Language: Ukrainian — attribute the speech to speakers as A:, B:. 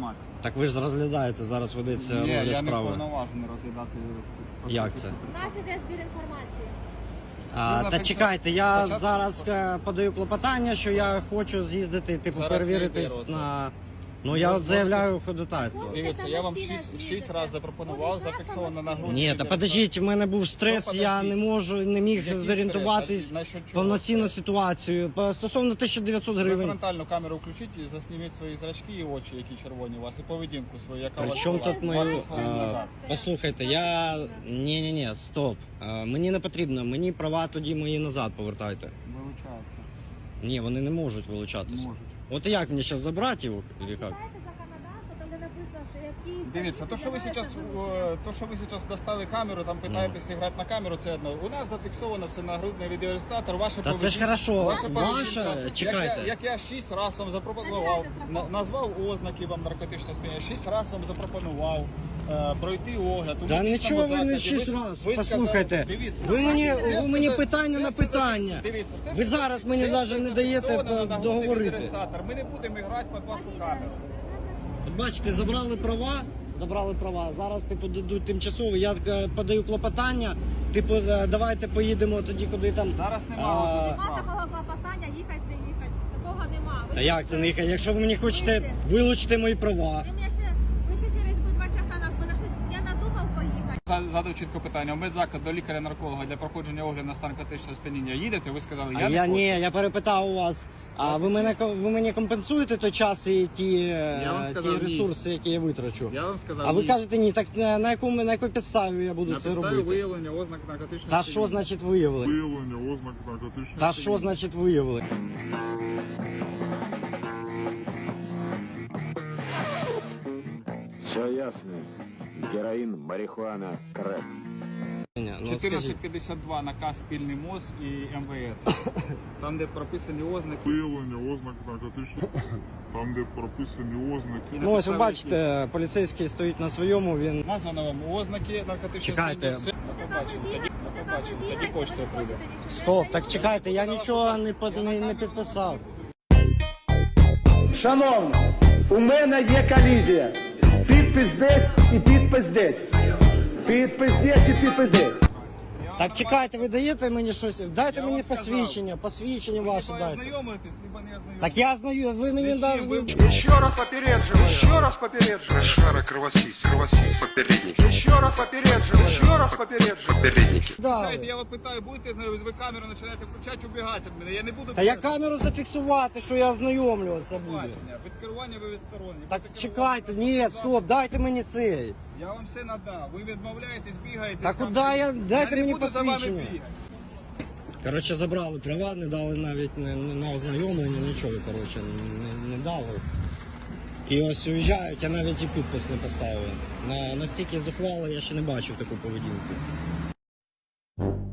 A: інформації.
B: Так ви ж розглядаєте, зараз ведеться
A: Ні,
B: розгляд
A: я не
B: справи.
A: повноважений розглядати юристи.
B: Як це?
C: У нас іде збір інформації.
B: Та чекайте, я
A: Спочатку
B: зараз подаю клопотання, що я хочу з'їздити, типу,
A: Зараз не йде
B: перевіритись
A: розгляд.
B: на... Ну я от заявляю ходатайство.
A: Дивіться, я вам 6 разів запропонував, зафіксовано на грудні.
B: Ні, та подождіть, у мене був стрес, я не можу, не міг
A: Який
B: зорієнтуватись
A: стрес? Насчет чого
B: повноцінну
A: стрес?
B: ситуацію. Стосовно 1900
A: Ви
B: гривень.
A: фронтальну камеру включіть і засніміть свої зрачки і очі, які червоні у вас, і поведінку свою, яка у вас
B: Причому
A: була
B: тут
A: 20
B: ми...
A: хвилин назад.
B: Послухайте, я... Ні, стоп. Мені не потрібно, мені права тоді мої назад повертайте.
A: Вилучається.
B: Ні, вони не можуть вилучатися.
A: Можуть.
B: От як мені зараз забрати його? Чи як?
C: Читайте законодавство, там де написано, що які...
A: Дивіться, то, що ви зараз достали камеру, там питаєтеся грати на камеру, це одно. У нас зафіксовано все на грудний відеореєстратор, ваша
B: Та це ж хорошо,
A: ваша
B: ваша,
A: поведінка.
B: чекайте.
A: Як я 6 разів вам запропонував, назвав ознаки вам наркотичного сп'яніння, 6 разів вам запропонував пройти огляд. У
B: Та
A: медичному
B: нічого ви не
A: закладі.
B: 6 разів,
A: Ви
B: послухайте.
A: сказали, дивіться,
B: Ви
A: це
B: мені
A: все-
B: питання
A: це
B: на
A: все
B: питання.
A: дивіться, це
B: Ви
A: все-
B: зараз мені
A: це
B: навіть
A: все
B: не даєте
A: зафіксовано на грудний
B: договорити.
A: відеореєстратор. Ми не будемо грати під вашу камеру.
B: От бачите, забрали права, зараз типу дадуть тимчасово, я подаю клопотання, типу давайте поїдемо тоді, куди там.
A: Зараз
B: А,
A: немає
C: Нема такого клопотання, їхати, не їхати. Такого нема.
B: Та як це не їхати? Якщо ви мені хочете вилучити мої права.
C: Ви ще через 2 часа нас буде. Я надумав поїхати.
A: Задав чітко питання. У медзаклад до лікаря-нарколога для проходження огляду на стан наркотичного сп'яніння їдете? Ви сказали,
B: А
A: я
B: я
A: не
B: ні,
A: хочу.
B: я перепитав у вас. А ви мені компенсуєте той час і ті
A: вам сказав, ні.
B: ресурси, які я витрачу?
A: Я вам сказав,
B: А ви
A: ні.
B: кажете ні, так на якій підставі я буду
A: На
B: це
A: підставі
B: робити?
A: виявлення ознак наркотичного
B: Та
A: сп'яніння.
B: що значить виявили?
D: Виявлення ознак наркотичного
B: Та що значить виявили?
E: Все ясно. Героин, марихуана, крэк.
B: Ні, ну, от скажіть.
A: 1452 наказ спільний МОЗ і МВС. Там, де прописані ознаки.
D: Виявлення ознак наркотичного. Там, де прописані ознаки.
B: Ну ось ви бачите, поліцейський стоїть на своєму, він...
A: Названо вам ознаки наркотичного
B: Чекайте.
A: сп'яніння. Все. Побачимо. Тоді почтою прийде.
B: Стоп, так чекайте, я нічого не підписав.
F: Шановна, у мене є колізія. Підпис десь і підпис десь. Підпис десь і підпис десь.
B: Так чекайте, ви даєте мені щось? Дайте
A: Я
B: мені
A: вам сказав.
B: посвідчення
A: Ви
B: ваше
A: либо
B: дайте.
A: ознайомитесь, либо не ознайомитесь.
B: Так я знаю, ви мені
A: Зачем?
B: навіть...
A: Ви-
G: Еще раз попередживаю, еще раз попередживаю.
H: Шара, кровосись, попередники.
G: Еще раз попередживаю, еще раз попередживаю.
H: Попередники.
B: Да.
A: Знаєте, я вас питаю, будете знайомитись, ви камеру починаєте включати, убігати від мене. Я не буду...
B: Та я камеру зафіксувати, що я ознайомлюватися буду.
A: Бачення. Від керування ви відсторонні.
B: Так
A: Ви
B: чекайте, ні,
A: керування-
B: стоп, дайте мені цей.
A: Я вам все надав. Ви відмовляєтесь, бігаєте.
B: Та куди дайте
A: не
B: мені
A: буду за вами
B: посвідчення.
A: бігати.
B: Коротше, забрали права, не дали навіть на ознайомлення, нічого, коротше, не дали. І ось уїжджають, а навіть і підпис не поставили. Настільки зухвало я ще не бачив таку поведінку.